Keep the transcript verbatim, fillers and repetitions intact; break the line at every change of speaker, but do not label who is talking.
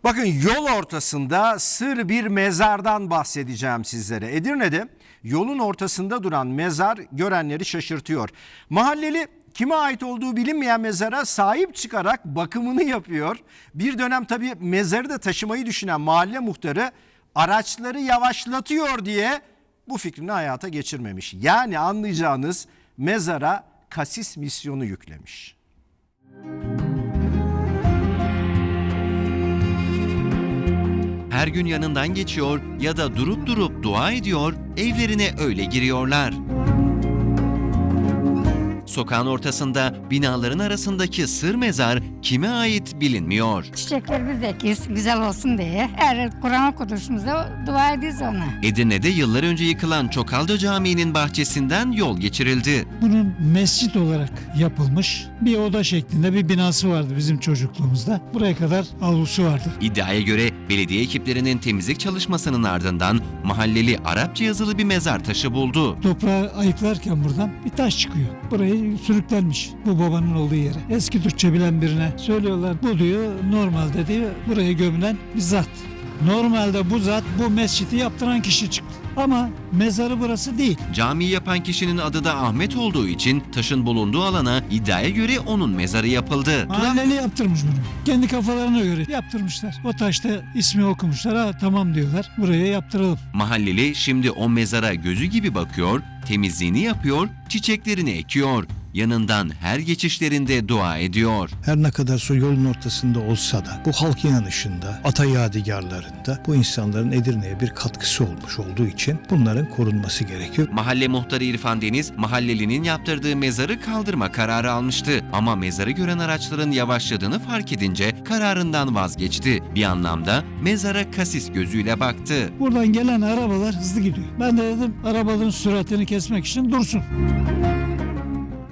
Bakın yol ortasında sır bir mezardan bahsedeceğim sizlere. Edirne'de yolun ortasında duran mezar görenleri şaşırtıyor. Mahalleli kime ait olduğu bilinmeyen mezara sahip çıkarak bakımını yapıyor. Bir dönem tabii mezarı da taşımayı düşünen mahalle muhtarı araçları yavaşlatıyor diye bu fikrini hayata geçirmemiş. Yani anlayacağınız mezara kasis misyonu yüklemiş.
Her gün yanından geçiyor ya da durup durup dua ediyor, evlerine öyle giriyorlar. Sokağın ortasında binaların arasındaki sır mezar kime ait bilinmiyor.
Çiçeklerimiz ekiyoruz güzel olsun diye. Her Kur'an okuduşumuzda dua ediyoruz ona.
Edirne'de yıllar önce yıkılan Çokalca Camii'nin bahçesinden yol geçirildi.
Bunun mescit olarak yapılmış bir oda şeklinde bir binası vardı bizim çocukluğumuzda. Buraya kadar avlusu vardı.
İddiaya göre belediye ekiplerinin temizlik çalışmasının ardından mahalleli Arapça yazılı bir mezar taşı buldu.
Toprağı ayıklarken buradan bir taş çıkıyor. Burayı sürüklenmiş bu babanın olduğu yere. Eski Türkçe bilen birine söylüyorlar. Bu diyor normalde diyor buraya gömülen bir zat. Normalde bu zat bu mescidi yaptıran kişi çıktı. Ama mezarı burası değil.
Camiyi yapan kişinin adı da Ahmet olduğu için taşın bulunduğu alana iddiaya göre onun mezarı yapıldı.
Mahalleli yaptırmış bunu. Kendi kafalarına göre yaptırmışlar. O taşta ismi okumuşlar. Ha tamam diyorlar. Buraya yaptıralım.
Mahalleli şimdi o mezara gözü gibi bakıyor, temizliğini yapıyor, çiçeklerini ekiyor. Yanından her geçişlerinde dua ediyor.
Her ne kadar su yolun ortasında olsa da bu halk inanışında, ata yadigarlarında bu insanların Edirne'ye bir katkısı olmuş olduğu için bunların korunması gerekiyor.
Mahalle muhtarı İrfan Deniz, mahallelinin yaptırdığı mezarı kaldırma kararı almıştı. Ama mezarı gören araçların yavaşladığını fark edince kararından vazgeçti. Bir anlamda mezara kasis gözüyle baktı.
Buradan gelen arabalar hızlı gidiyor. Ben de dedim arabaların süratini kesmek için dursun.